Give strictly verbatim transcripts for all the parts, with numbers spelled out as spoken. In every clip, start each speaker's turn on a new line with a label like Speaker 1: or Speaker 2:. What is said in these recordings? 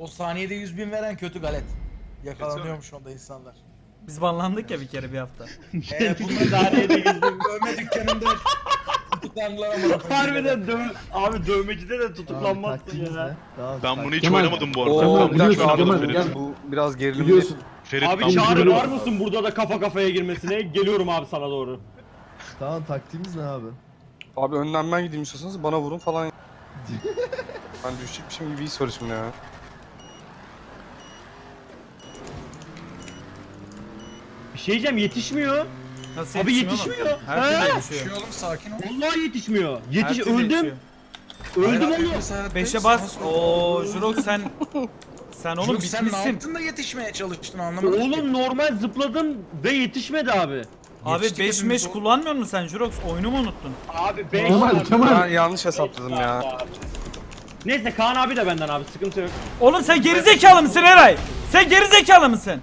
Speaker 1: O saniyede yüz bin veren kötü galet. Yakalanıyormuş onda insanlar.
Speaker 2: Biz banlandık ya bir kere bir hafta.
Speaker 1: Eee bunlar
Speaker 3: Saniyede yüz bin.
Speaker 1: dövme dükkanında tutuklandılar ama.
Speaker 3: Harbiden döv abi dövmecide de tutuklanmazsın
Speaker 4: Taktiğimiz
Speaker 3: ya.
Speaker 4: ne? Daha
Speaker 5: Ben bunu hiç
Speaker 4: Kemal,
Speaker 5: oynamadım bu arada.
Speaker 6: Oo,
Speaker 5: Ben
Speaker 6: bir
Speaker 5: bunu hiç
Speaker 6: dakika
Speaker 5: oynamadım
Speaker 6: abi,
Speaker 5: Ferit.
Speaker 6: gel, bu biraz gerilimli.
Speaker 4: Biliyorsun.
Speaker 5: Ferit
Speaker 3: Abi
Speaker 5: ben
Speaker 3: Çağrı
Speaker 4: bunu-
Speaker 3: var mısın burada da kafa kafaya girmesine? Geliyorum abi sana doğru.
Speaker 4: Tamam taktiğimiz ne abi?
Speaker 6: Abi önden ben gideyim istiyorsanız bana vurun falan. Ben düşecekmişim gibi his var şimdi ya.
Speaker 3: Bir şey diyeceğim yetişmiyor.
Speaker 2: Nasıl
Speaker 3: Abi
Speaker 2: yetişmiyor
Speaker 3: yetişmiyor.
Speaker 2: oğlum? Her türlü
Speaker 3: Ha?
Speaker 2: yetişiyor.
Speaker 1: Şey oğlum sakin ol.
Speaker 3: Vallahi yetişmiyor.
Speaker 2: Her
Speaker 3: Yetiş
Speaker 2: türlü
Speaker 3: öldüm.
Speaker 2: yetişiyor.
Speaker 3: Öldüm
Speaker 1: Hayır,
Speaker 3: oğlum.
Speaker 1: biz hayattayız.
Speaker 2: Beşe bas.
Speaker 1: Nasıl
Speaker 2: Oo Jurok sen sen oğlum
Speaker 1: Oğlum sen ne
Speaker 2: bitmişsin.
Speaker 1: yaptın da yetişmeye çalıştın anlamadım ki.
Speaker 3: Oğlum normal zıpladım ve yetişmedi abi.
Speaker 2: Abi
Speaker 1: Yetiştik
Speaker 2: beş
Speaker 1: hepimiz
Speaker 2: meş
Speaker 1: o-
Speaker 2: kullanmıyor musun sen Jurok? Oyunu mu unuttun?
Speaker 3: Abi beş
Speaker 4: Kemal,
Speaker 3: abi.
Speaker 4: Kemal.
Speaker 6: Ben yanlış hesapladım ya.
Speaker 3: Neyse Kaan abi de benden abi sıkıntı yok.
Speaker 2: Oğlum sen gerizekalı mısın Eray? Sen gerizekalı mısın?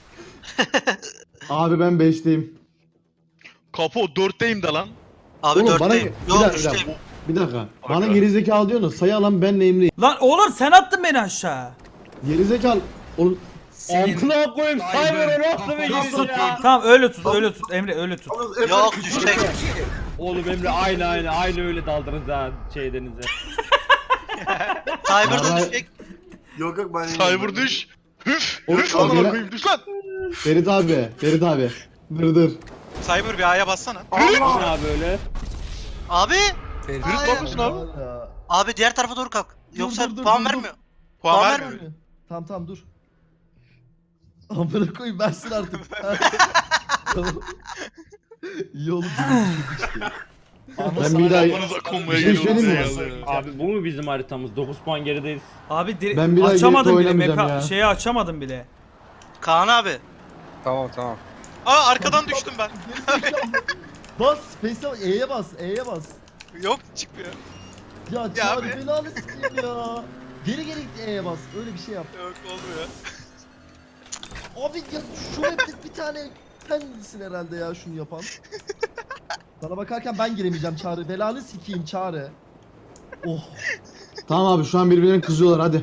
Speaker 4: Abi ben beşteyim.
Speaker 5: Kapo dörtteyim de lan.
Speaker 7: Abi
Speaker 4: Oğlum bana
Speaker 7: dörtteyim.
Speaker 4: bir
Speaker 7: Yok
Speaker 4: dakika, bir
Speaker 7: üçteyim.
Speaker 4: dakika. Bir dakika. Bana gerizekalı diyorsun da sayı alan benle Emre'yim.
Speaker 2: Lan oğlum sen attın beni aşağı.
Speaker 4: Gerizekalı. Oğlum
Speaker 3: Amkına koyayım
Speaker 1: Cyber,
Speaker 3: Cyber'ı nasıl
Speaker 1: kafası
Speaker 3: veriyorsun ya?
Speaker 2: Tamam öyle tut öyle tut Emre öyle tut.
Speaker 7: Yok düşecek.
Speaker 3: Oğlum Emre aynı aynı aynı öyle daldınız ha şey denize.
Speaker 7: Cyber'da
Speaker 4: Vallahi-
Speaker 7: düşecek.
Speaker 8: Yok yok ben
Speaker 5: Cyber düş. Hüf.
Speaker 4: Oğlum,
Speaker 5: Hüf.
Speaker 4: o
Speaker 5: Allah'ım
Speaker 4: gene-
Speaker 5: koyayım düş lan.
Speaker 4: Ferit abi. Ferit abi. Dur dur.
Speaker 7: Cyber bir A'ya bassana.
Speaker 3: Düşün abi öyle.
Speaker 7: Abi.
Speaker 1: Ferit,
Speaker 7: Hayır.
Speaker 5: ne yapıyorsun abi?
Speaker 4: Ya.
Speaker 7: Abi diğer tarafa doğru kalk. Yoksa
Speaker 4: dur, dur,
Speaker 7: puan
Speaker 4: dur, dur.
Speaker 7: vermiyor.
Speaker 5: Puan
Speaker 7: Puan
Speaker 5: vermiyor.
Speaker 7: vermiyor.
Speaker 4: Tamam tamam dur. Amına koyayım versin artık. Tamam. İyi oldu. Ben bir daha
Speaker 5: Kafanıza konmaya
Speaker 4: Bir şey
Speaker 5: geliyorum
Speaker 4: söyleyeyim mi?
Speaker 5: size ya.
Speaker 3: Abi bu mu bizim haritamız? dokuz puan gerideyiz.
Speaker 2: Abi dir-
Speaker 4: Ben bir daha
Speaker 2: açamadım
Speaker 4: gelip
Speaker 2: bile
Speaker 4: oynamayacağım
Speaker 2: meka
Speaker 4: ya.
Speaker 2: şeyi açamadım bile.
Speaker 7: Kaan abi.
Speaker 6: Tamam tamam.
Speaker 7: Aa arkadan düştüm ben.
Speaker 4: Bas Space'e E'ye bas E'ye bas.
Speaker 7: Yok çıkmıyor.
Speaker 4: Ya
Speaker 7: Ya
Speaker 4: çağır
Speaker 7: abi.
Speaker 4: belanı sikeyim ya. Geri geri git E'ye bas. Öyle bir şey yap.
Speaker 7: Yok olmuyor.
Speaker 4: Abi ya şu map'te bir tane sensin herhalde ya şunu yapan. Sana bakarken ben giremeyeceğim Çağrı. Belanı sikeyim Çağrı. Oh. Tamam abi şu an birbirlerine kızıyorlar hadi.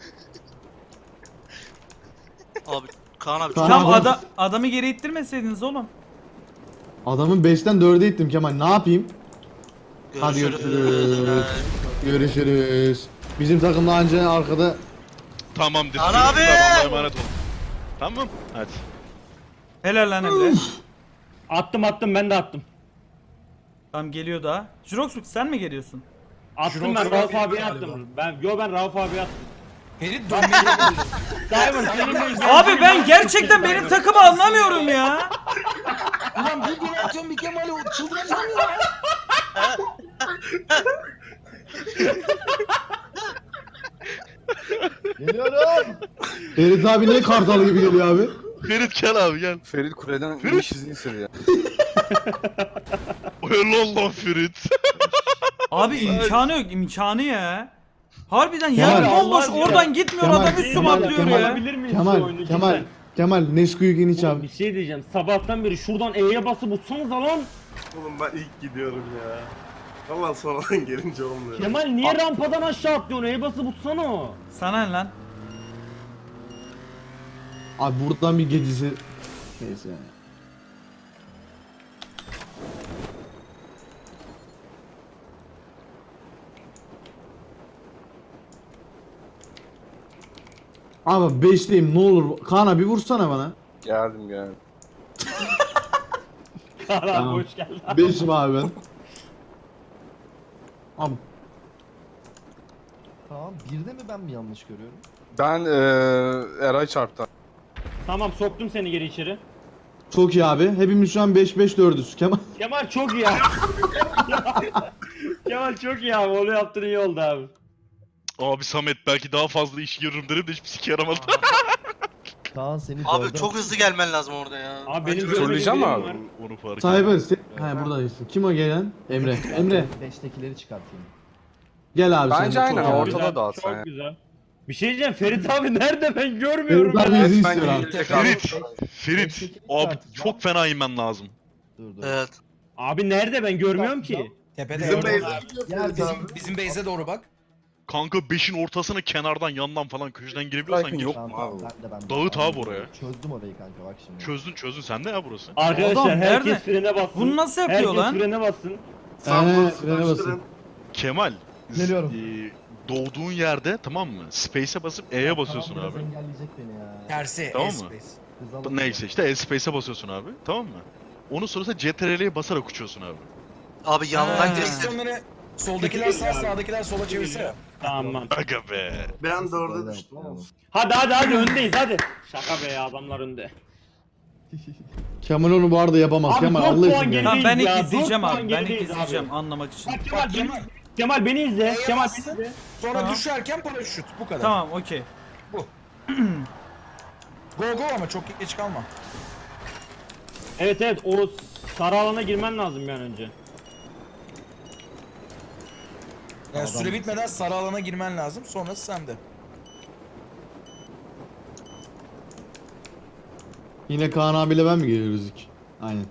Speaker 7: Abi Kaan abi.
Speaker 4: Kaan
Speaker 2: Tam
Speaker 4: abi.
Speaker 2: ada adamı geri ittirmeseydiniz oğlum.
Speaker 4: Adamın beşten dörde ittim Kemal ne yapayım? Hadi görüşürüz.
Speaker 7: Ee,
Speaker 4: Görüşürüz. Bizim takımda anca arkada.
Speaker 5: Tamamdır.
Speaker 7: Kaan
Speaker 5: Tamam,
Speaker 7: abi!
Speaker 5: Allah'a emanet ol. Tamam. Hadi.
Speaker 2: Helal lan Emre.
Speaker 3: Attım attım ben de attım.
Speaker 2: Tamam geliyor daha. Jurok sen mi geliyorsun?
Speaker 3: Attım ben Rauf abiye attım. Ben yo ben Rauf abiye attım.
Speaker 1: Ferit dönmeyi de bildi.
Speaker 3: Cyber senin
Speaker 2: Abi ben gerçekten benim takımı anlamıyorum ya.
Speaker 1: Ulan bir gün atıyorum bir Kemal'i çıldıracağım ya.
Speaker 4: Geliyorum. Ferit abi niye kartal gibi geliyor abi?
Speaker 5: Ferit gel abi gel.
Speaker 6: Ferit kuleden iniş izni istedi ya.
Speaker 5: Helal lan Ferit.
Speaker 2: Abi imkanı yok imkanı ya. Harbiden
Speaker 4: Kemal,
Speaker 2: yer bomboş
Speaker 3: Allah
Speaker 2: oradan gitmiyor
Speaker 4: Kemal,
Speaker 2: adam üstüme
Speaker 4: Kemal,
Speaker 2: atlıyor
Speaker 4: Kemal.
Speaker 2: ya.
Speaker 3: Alabilir miyiz şu
Speaker 4: Kemal,
Speaker 3: oyunu
Speaker 4: Kemal,
Speaker 3: cidden?
Speaker 4: Kemal Nesquik iniç
Speaker 3: Oğlum
Speaker 4: abi.
Speaker 3: bir şey diyeceğim. Sabahtan beri şuradan E'ye basıp utsanıza lan.
Speaker 8: Oğlum ben ilk gidiyorum ya. Valla sonradan gelince olmuyor.
Speaker 3: Kemal niye rampadan aşağı atlıyorsun? E'ye basıp utsana o.
Speaker 2: Sana ne lan?
Speaker 4: Abi buradan bir gecesi. Neyse yani. Abi beşteyim ne olur. Kaan abi vursana bana.
Speaker 6: Geldim geldim.
Speaker 3: Kaan abi
Speaker 4: Tamam.
Speaker 3: hoş geldin.
Speaker 4: Beşim abi ben. Abi.
Speaker 9: Tamam, birde mi ben mi yanlış görüyorum?
Speaker 6: Ben eee Eray çarptı.
Speaker 3: Tamam soktum seni geri içeri.
Speaker 4: Çok iyi abi. Hepimiz şu an beş beş dördüz. Kemal.
Speaker 3: Kemal çok iyi abi. Kemal çok iyi abi. Onu yaptın iyi oldu abi.
Speaker 5: Abi Samet belki daha fazla iş görürüm dedim de hiçbir sike yaramadı.
Speaker 9: Kaan seni
Speaker 7: Abi
Speaker 9: dörde-
Speaker 7: çok hızlı gelmen lazım orada ya.
Speaker 3: Abi benim
Speaker 6: Söyleyeceğim
Speaker 3: görmediğim
Speaker 6: mi
Speaker 3: birim
Speaker 6: abi?
Speaker 3: var.
Speaker 5: Onu fark
Speaker 4: Cyber.
Speaker 5: ettim.
Speaker 4: Sen... He buradaysın. Kim o gelen? Emre. Emre.
Speaker 9: Beştekileri çıkartayım.
Speaker 4: Gel abi
Speaker 6: Bence
Speaker 4: sen.
Speaker 6: aynen,
Speaker 4: Çok iyi.
Speaker 6: ortada
Speaker 3: Güzel,
Speaker 6: dağıtsan
Speaker 3: çok
Speaker 6: ya.
Speaker 3: güzel. Bir şey diyeceğim Ferit abi nerede ben görmüyorum
Speaker 4: Ferit abi
Speaker 3: ya.
Speaker 4: izi
Speaker 6: Ben
Speaker 4: istiyor abi.
Speaker 6: gelecek
Speaker 5: Ferit.
Speaker 6: abi.
Speaker 5: Ferit.
Speaker 9: Beşteki
Speaker 5: Abi
Speaker 9: tartışma.
Speaker 5: çok fena inmen lazım.
Speaker 9: Dur dur.
Speaker 7: Evet.
Speaker 3: Abi nerede ben görmüyorum ki.
Speaker 1: Tepede
Speaker 8: Bizim
Speaker 1: orada.
Speaker 8: beyz-
Speaker 9: Gel
Speaker 1: Bizim, bizim base'e doğru bak.
Speaker 5: Kanka beşin ortasına kenardan yandan falan köşeden girebiliyorsan
Speaker 6: Belki
Speaker 5: gir.
Speaker 6: yok
Speaker 9: Tamam,
Speaker 6: mu
Speaker 9: tamam,
Speaker 6: abi?
Speaker 9: ben de ben de.
Speaker 5: Dağıt abi
Speaker 9: Anladım.
Speaker 5: oraya.
Speaker 9: Çözdüm orayı kanka bak şimdi.
Speaker 5: Çözdün çözdün sende ya burası.
Speaker 3: Arkadaşlar
Speaker 2: Adam
Speaker 3: herkes
Speaker 2: nerede?
Speaker 3: frene bassın.
Speaker 2: Bunu nasıl yapıyor
Speaker 3: herkes
Speaker 2: lan?
Speaker 3: frene bassın.
Speaker 8: Sağdan
Speaker 6: Ee, frene basın.
Speaker 8: sıkıştırın.
Speaker 5: Kemal.
Speaker 4: Geliyorum.
Speaker 5: e, doğduğun yerde tamam mı? Space'e basıp E'ye basıyorsun
Speaker 9: Tamam,
Speaker 5: abi.
Speaker 9: biraz engelleyecek beni ya.
Speaker 1: Tersi.
Speaker 5: Tamam mı?
Speaker 1: S-Space.
Speaker 9: Hız alalım
Speaker 5: Neyse
Speaker 9: ya.
Speaker 5: işte E space'e basıyorsun abi. Tamam mı? Onun sonrasında C T R L'ye basarak uçuyorsun abi.
Speaker 7: Abi yandan
Speaker 2: Ha.
Speaker 7: geçtim.
Speaker 1: Direksiyonları soldakiler sağ sağdakiler sola çevirse.
Speaker 3: Tamam.
Speaker 5: Aga be.
Speaker 8: Ben de orada
Speaker 9: Öyle
Speaker 8: düştüm.
Speaker 9: yapalım.
Speaker 3: Hadi hadi hadi öndeyiz hadi. Şaka be ya adamlar önde.
Speaker 6: Kemal onu bu arada yapamaz.
Speaker 3: Abi
Speaker 6: Kemal
Speaker 3: dört
Speaker 6: Allah
Speaker 3: puan
Speaker 6: için.
Speaker 3: geri-
Speaker 6: ya.
Speaker 2: Tamam ben ilk
Speaker 3: Ya, dört
Speaker 2: izleyeceğim
Speaker 3: puan
Speaker 2: abi. Ben ilk
Speaker 3: gerideyiz abi.
Speaker 2: izleyeceğim anlamak için.
Speaker 3: Bak Kemal
Speaker 1: Bak
Speaker 3: beni,
Speaker 1: Kemal.
Speaker 3: Kemal beni izle.
Speaker 1: Neye
Speaker 3: Kemal
Speaker 1: bastın?
Speaker 3: beni izle.
Speaker 1: Sonra
Speaker 2: Tamam.
Speaker 1: düşerken paraşüt. Bu kadar.
Speaker 2: Tamam okey.
Speaker 1: Go go ama çok geç kalma.
Speaker 3: Evet evet o sarı alana girmen lazım bir an önce.
Speaker 1: Yani süre bitmeden sarı alana girmen lazım. Sonrası sende.
Speaker 6: Yine Kaan abiyle ben mi geliyoruz ilk? Aynen.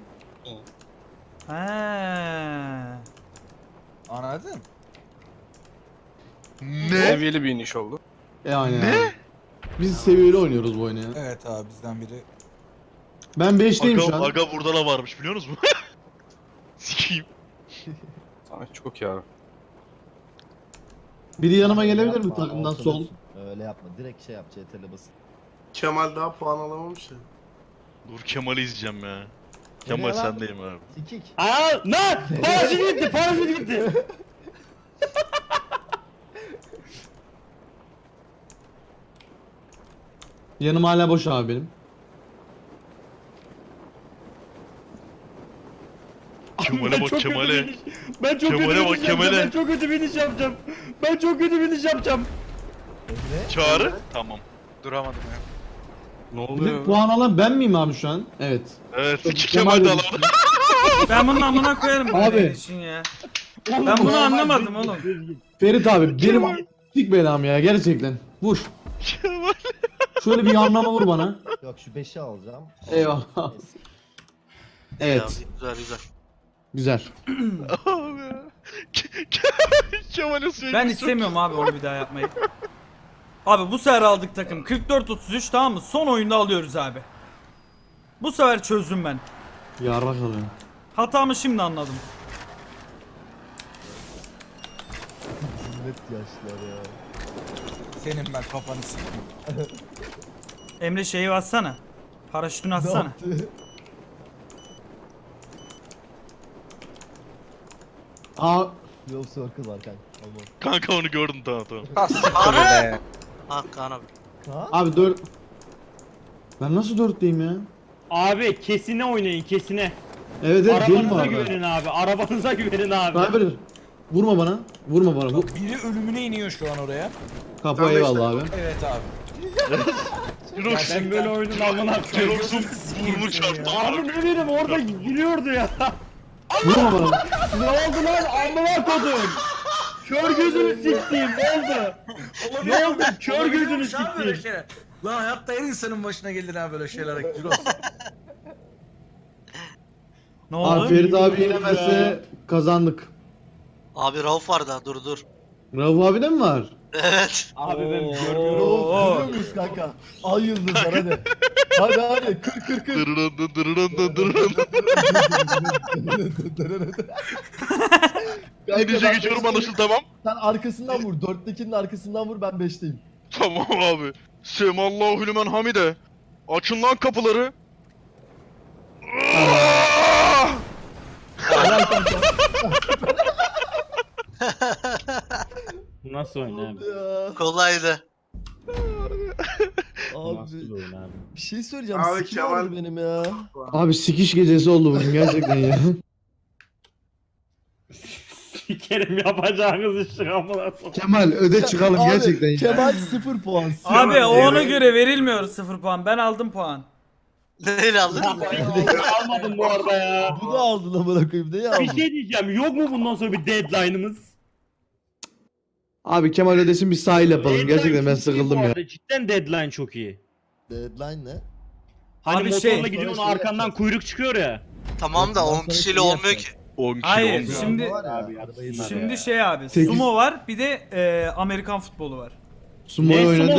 Speaker 2: Ha.
Speaker 1: Anladın?
Speaker 5: Ne?
Speaker 6: Seviyeli bir iniş oldu. E aynen ne? Biz seviyeli oynuyoruz bu oyunu ya.
Speaker 1: Evet abi bizden biri.
Speaker 6: Ben beşteyim şu
Speaker 5: Aga,
Speaker 6: an.
Speaker 5: aga burada da varmış biliyor musun? Sikiyim.
Speaker 6: Ay, çok ya. Biri yanıma gelebilir mi
Speaker 9: Yapma,
Speaker 6: takımdan
Speaker 9: ortada
Speaker 6: sol?
Speaker 9: tut. Öyle yapma. Direkt şey yap C T R L basın.
Speaker 8: Kemal daha puan alamamış ya.
Speaker 5: Dur Kemal'i izleyeceğim ya. Kemal
Speaker 9: Nereye lan?
Speaker 5: sendeyim abi.
Speaker 9: Sikik.
Speaker 3: Aa lan! Paraşüt gitti paraşüt gitti.
Speaker 6: Yanım hala boş abi benim.
Speaker 5: Kemal'e
Speaker 3: Ben
Speaker 5: bak
Speaker 3: çok kötü
Speaker 5: Kemal'e.
Speaker 3: biniş- Ben çok
Speaker 5: Kemal'e
Speaker 3: kötü
Speaker 5: bak,
Speaker 3: biniş yapacağım.
Speaker 5: Kemal'e.
Speaker 3: Ben çok kötü biniş yapacağım. Ben çok kötü biniş yapacağım.
Speaker 9: Emre.
Speaker 5: Çağrı. Tamam.
Speaker 7: Duramadım ya.
Speaker 6: Bir Ne
Speaker 5: Ee,
Speaker 6: de puan alan ben miyim abi şu an? Evet.
Speaker 5: Evet. iki
Speaker 6: Kemal
Speaker 5: Kemal de
Speaker 6: de
Speaker 5: alan.
Speaker 6: düştü.
Speaker 2: Ben bunun amına koyarım
Speaker 6: Abi.
Speaker 2: böyle için ya. Ben bunu anlamadım oğlum.
Speaker 6: Ferit abi benim dik belam ya gerçekten. Vur.
Speaker 5: Kemal.
Speaker 6: Şöyle bir anlama vur bana.
Speaker 9: Yok şu beşi alacağım.
Speaker 6: Eyvallah.
Speaker 9: Neyse.
Speaker 6: Evet.
Speaker 7: Ya, güzel güzel.
Speaker 6: Güzel.
Speaker 5: Abi. Ke- Ke- Kemal'e sürekli
Speaker 2: Ben
Speaker 5: çok-
Speaker 2: istemiyorum abi onu bir daha yapmayı. Abi bu sefer aldık takım. kırk dört otuz üç tamam mı? Son oyunda alıyoruz abi. Bu sefer çözdüm ben.
Speaker 6: Yarrak alıyorum.
Speaker 2: Hatamı şimdi anladım.
Speaker 9: Net yaşlar ya.
Speaker 1: Senin ben kafanı sikeyim.
Speaker 2: Emre şeyi bassana. Paraşütünü
Speaker 9: Ne
Speaker 2: atsana.
Speaker 9: yaptı?
Speaker 6: Aa.
Speaker 9: Yol circle var kanka. Aman.
Speaker 5: Kanka onu gördüm tamam tamam.
Speaker 7: Kaan. Ha Kaan abi.
Speaker 9: Ha?
Speaker 6: Abi dört. Ben nasıl dörtteyim ya?
Speaker 3: Abi kesine oynayın kesine.
Speaker 6: Evet evet gelin
Speaker 3: Arabanıza
Speaker 6: abi.
Speaker 3: güvenin abi. Arabanıza güvenin abi.
Speaker 6: Cyber. Vurma bana. Vurma bana. Bu
Speaker 1: Biri ölümüne iniyor şu an oraya.
Speaker 6: kapı
Speaker 8: Ben
Speaker 6: eyvallah abi.
Speaker 1: Evet abi.
Speaker 5: Jirox.
Speaker 3: Ben böyle oyunun amına koyayım.
Speaker 5: Jirox'un burnu çarptı.
Speaker 3: Abi ne bileyim orada gülüyordu ya.
Speaker 6: Vurma bana.
Speaker 3: Ne oldu lan amına kodum? Kör gözünü siktiğim ne oldu? Ne oldu? Kör gözünü siktiğim.
Speaker 1: şeyler. Lan hayatta her insanın başına gelir ha böyle şeyler. Ciros.
Speaker 2: Ne
Speaker 6: Abi
Speaker 2: oldu?
Speaker 6: Ferit abi yenemezse kazandık.
Speaker 7: Abi Rauf var da dur dur.
Speaker 6: Rauf abi de mi var?
Speaker 7: Evet.
Speaker 3: Abi ben
Speaker 2: Oo.
Speaker 3: görmüyorum.
Speaker 2: Oo.
Speaker 9: Görüyor muyuz kanka? Ay yıldızlar hadi. Hadi hadi kır kır kır.
Speaker 5: Dırırın dırırın dırırın.
Speaker 9: Kanka,
Speaker 5: İngilizce
Speaker 9: ben
Speaker 5: geçiyorum
Speaker 9: beşteyim.
Speaker 5: anlaşıldı tamam.
Speaker 9: Sen arkasından vur. Dörttekinin arkasından vur ben beşteyim.
Speaker 5: Tamam abi. Semallahu lümen hamide. Açın lan kapıları.
Speaker 9: Helal kanka.
Speaker 3: Nasıl oyun abi?
Speaker 9: Ya.
Speaker 7: Kolaydı.
Speaker 3: Nasıl
Speaker 9: Abi
Speaker 3: oyun abi?
Speaker 9: bir şey söyleyeceğim.
Speaker 8: Abi,
Speaker 9: Sikim
Speaker 8: Kemal-
Speaker 9: oldu benim ya.
Speaker 6: Abi sikiş gecesi oldu bugün gerçekten ya.
Speaker 3: Sikerim yapacağınız işi amına koyayım.
Speaker 6: Kemal öde çıkalım
Speaker 9: Abi,
Speaker 6: gerçekten ya.
Speaker 9: Kemal sıfır puan.
Speaker 2: Abi o
Speaker 5: Evet.
Speaker 2: ona göre verilmiyor sıfır puan. Ben aldım puan.
Speaker 7: Neyle aldın?
Speaker 3: Almadım bu arada ya.
Speaker 9: Bu da aldın amına koyayım. Neyi
Speaker 3: Bir
Speaker 9: aldın?
Speaker 3: şey diyeceğim. Yok mu bundan sonra bir deadline'ımız?
Speaker 6: Abi Kemal ödesin bir sahil yapalım.
Speaker 3: Deadline
Speaker 6: Gerçekten ben
Speaker 3: çok iyi
Speaker 6: sıkıldım
Speaker 3: bu
Speaker 6: ya.
Speaker 3: arada. Cidden deadline çok iyi.
Speaker 9: Deadline ne?
Speaker 3: Hani
Speaker 2: Abi
Speaker 3: motorla
Speaker 2: şey-
Speaker 3: gidiyorsun
Speaker 9: Sonra şey
Speaker 3: arkandan
Speaker 9: yapacağız.
Speaker 3: kuyruk çıkıyor ya.
Speaker 7: Tamam da
Speaker 9: Ondan
Speaker 7: on
Speaker 9: sonra
Speaker 7: kişiyle
Speaker 9: şey
Speaker 7: olmuyor ki.
Speaker 9: yapacağız.
Speaker 5: on kilo.
Speaker 2: Hayır
Speaker 5: on kilo.
Speaker 2: şimdi
Speaker 4: Var ya.
Speaker 9: Abi yapsınlar
Speaker 2: şimdi
Speaker 9: ya.
Speaker 2: şey abi
Speaker 9: Sekiz-
Speaker 2: sumo var bir de e, Amerikan futbolu var.
Speaker 9: Sumo'yu
Speaker 3: Ne
Speaker 9: oynadı.